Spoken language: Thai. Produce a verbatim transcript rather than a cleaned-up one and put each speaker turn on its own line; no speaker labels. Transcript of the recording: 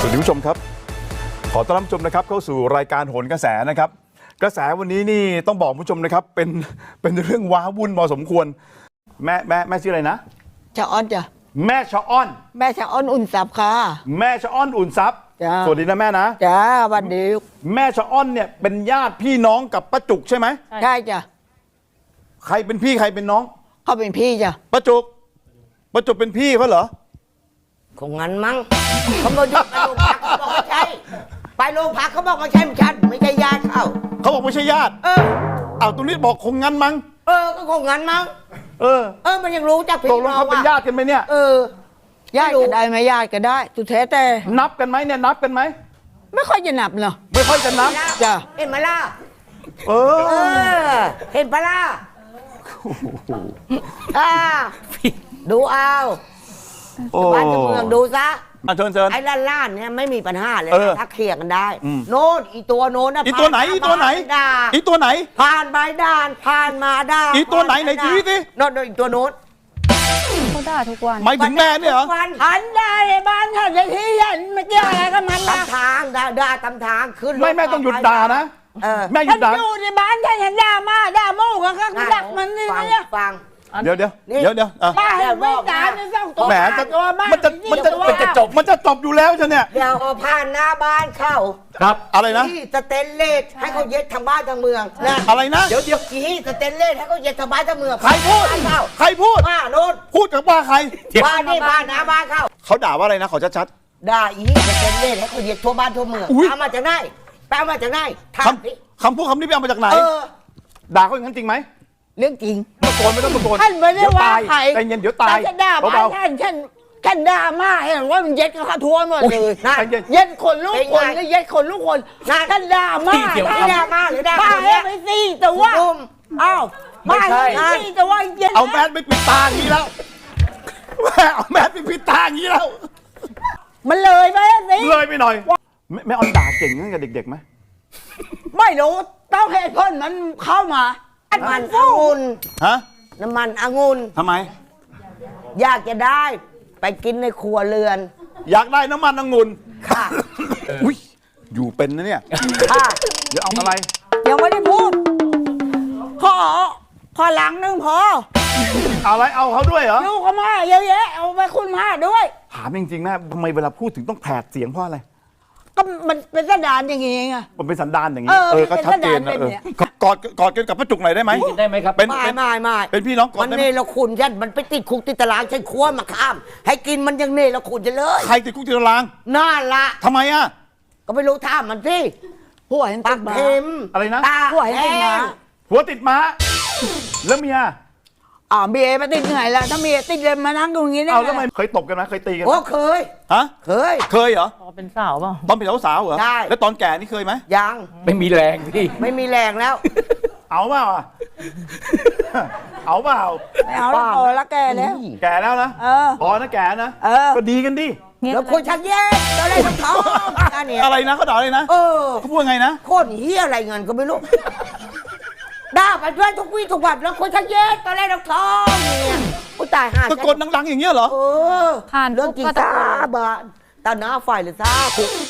วัสดีผู้ชมครับขอต้อนรับผู้ชมนะครับเข้าสู่รายการโหนกระแสนะครับกระแสวันนี้นี่ต้องบอกผู้ชมนะครับเป็นเป็นเรื่องว้าวุ่นพอสมควรแม่แม่แม่ชื่ออะไรนะ
ชะอ้อนจ้ะ
แม่ชะอ้อน
แม่ชะอ้อนอุ่นทรัพย์ค่ะ
แม่ชะอ้อนอุ่นทรัพย์สวัสดีนะแม่นะ
จ้าวันดี
แม่ชะอ้อนเนี่ยเป็นญาติพี่น้องกับป้าจุกใช่ไหม
ใช่จ้ะ
ใครเป็นพี่ใครเป็นน้อง
เขาเป็นพี่จ้ะ
ป้าจุกป้าจุกเป็นพี่เขาเหรอ
คงงั้นมั้งเขามาอยู่ไปโรงพักเขาบอกไม่ใช่ไปโรงพักเขาบอกไม่ใช่ไม่ใช่ไม่ใช่ญาติเขา
เขาบอกไม่ใช่ญาติ
เออ
เอาตรงนี้บอกคงงั้นมั้ง
เออก็คงงั้นมั้ง
เออ
เออมันยังรู้จักพี่
น้องว่าเขาเป็นญาติกันไหมเนี่ย
เออ
ญาติก็ได้ไหมญาติก็ได้สุดแท้แต่
นับกันไหมเนี่ยนับกันไหม
ไม่ค่อยจะนับเนาะ
ไม่ค่อยจะนับ
จ้ะ
เห็นไหมล่ะ
เออ
เออเห็นปะล่ะอ่าดูเอาบ้านเมืองดูซะ
เชิญเชิญ
ไอ้ล้านๆเนี่ยไม่มีปัญหาเลยถ้าเคลียร์กันได้
อืม
โน้นอีตัวโน้นนะ
อีตัวไหนอีตัวไหนอีตัวไหน
ผ่านไปด่านผ่านมาด่าน
อีตัวไหนไหนชี้สิ
โน้นอีตัวโน้น
เขาด่าทุกวัน
หมายถึงแม่เนี่ยเหรอ
หันได้บ้านฉันจะที่ยันไม่เกี่ยวอะไรกับมันนะตำทางด่าด่าตำทางขึ้น
ไม่แม่ต้องหยุดด่านะแม่หยุดด่า
อยู่ในบ้านฉันฉันด่ามาด่าโม่ก็ก็ดักมันนี่เนี่ย
ฟัง
เดี๋ยวเดี๋ยวเดี๋ยวเดี๋ยว
ป้าเห็นไม่ด่าในสองตัว
แหมมันจะมันจะมันจะจบมันจะจบอยู่แล้วฉันเนี่ย
เดี๋ยวเอาผ่านหน้าบ้านเข้า
ครับอะไรนะ
ที่สเตนเลสให้เขาเย็ดทางบ้านทางเมืองนะ
อะไรนะ
เดี๋ยวเดี๋ยวกี่สเตนเลสให้เขาเย็ดทางบ้านทางเมือง
ใครพูดใครพูด
ป้าโน้น
พูดกับป้าใคร
บ้านนี่บ้านหน้าบ้านเข้า
เขาด่าว่าอะไรนะขอชัด
ๆด่าอีสเตนเลสให้เขาเย็ดทั่วบ้านทั่วเมืองตามมาจากไหนตามมาจากไหน
คำคำพูดคำนี้ไปเอามาจากไหนด่าเขาอย่างนั้นจริงไหม
เรื่องจริง
ตะโกนไม่ต้องตะโกน
ท่านไม่ได้ว่าใคร
ใจเย็นเดี๋ยวตาย
ฉันด่าบ้านท่านฉันฉันด่ามาเห็นว่ามันเย็ดกระทั่วหมดเลยเย็ดคนลูกคนก็เย็ดคนลูกคนฉันด่ามา
ไม่ด่ามาหรือด่า
ป้าให้ไปสิแต่ว่าอ้าวป้าให้สิแต่ว่าเย็ด
เอาแมสไปปิดตาอย่างนี้แล้วแม่เอาแมสไปปิดตาอย่างนี้แล้ว
มันเลยไปสิ
เลยไปหน่อยแม่ออนด่าเก่งตั้งแต่เด็กๆไหม
ไม่รู้ต้องเหตุผลมันเข้ามา
น้ำมันองุ่น
ฮะ
น้ำมันองุ่น
ทำไม
อยากจะได้ไปกินในครัวเรือน
อยากได้น้ำมันองุ่น
ค่ะ
อุ้ยอยู่เป็นนะเนี่ย
ค่ะ
เดี๋ยวเอาอะไร
ยังไม่ได้พูดขอขอหลังนึงพอ
เอาอะไรเอาเขาด้วยเหรอ
ดูเขามาเยอะแยะเอาไปคุณมาด้วย
ถามจริงๆแม่ทำไมเวลาพูดถึงต้องแผดเสียงเพราะอะไร
ก็มันเป็นสันดานอย่างงี้ไง
มันเป็นสันดานอย่างงี้เออก็ชัดเจนนะเออกอดกอดกันกับป้าจุกหน่อยได้ไหม
ได้ไหมครับ
เป็น
ไม่ไม่ไม่
เป็นพี่น้องกอด
มันเนรคุณฉันมันไปติดคุกติดตารางฉันคั่วมาข้ามให้กินมันยังเนรคุณจะเลย
ใครติดคุกติดตาราง
น่าละ
ทำไมอ่ะ
ก็ไม่รู้ท่ามันสิ
ผัวเห็น
ปากเค็ม
อะไรนะ
ผัวเห็นติดม้า
ผัวติดม้าแล้วเมีย
อ๋อเมียมาติดเหนื่อยแล้วถ้าเมียติดเลยมานั่งตรงนี้ได้
เอาแล้วทำไมเคยตบกันไหมเคยตีกัน
โอ้เคย
ฮะ
เคย
เคยเหรอ
ตอนเป็นสาวเปล่า
ตอนเป็นสาวเหรอ
ใช่
แล้วตอนแก่นี่เคยไหม
ยัง
ไม่มีแรงพี่
ไม่มีแรงแล้ว
เอาเปล่าเอาเปล่า
เอาแล้วพอแล้วแก่แล้ว
แก่แล้วนะ
เออ
พอนะแก่นะก็ดีกันดิ
แล้วคนชักแย่อะไรทั้งท้อง
อะไรนะเขาด่าอะไรนะ
เออ
เขาพูดไงนะ
โคตรเฮียอะไรเงินก็ไม่รู้ด่าไปด้วยทุกวี่ทุกวันแล้วคนชักแย่ตอนแรกเราท้องเนี่ยผู้ตายห่า
ตะโกนดังๆอย่างเงี้ยเหรอ
เออเรื่องกีตาร์บ้านตาหน้าไฟหรือซ่าคุก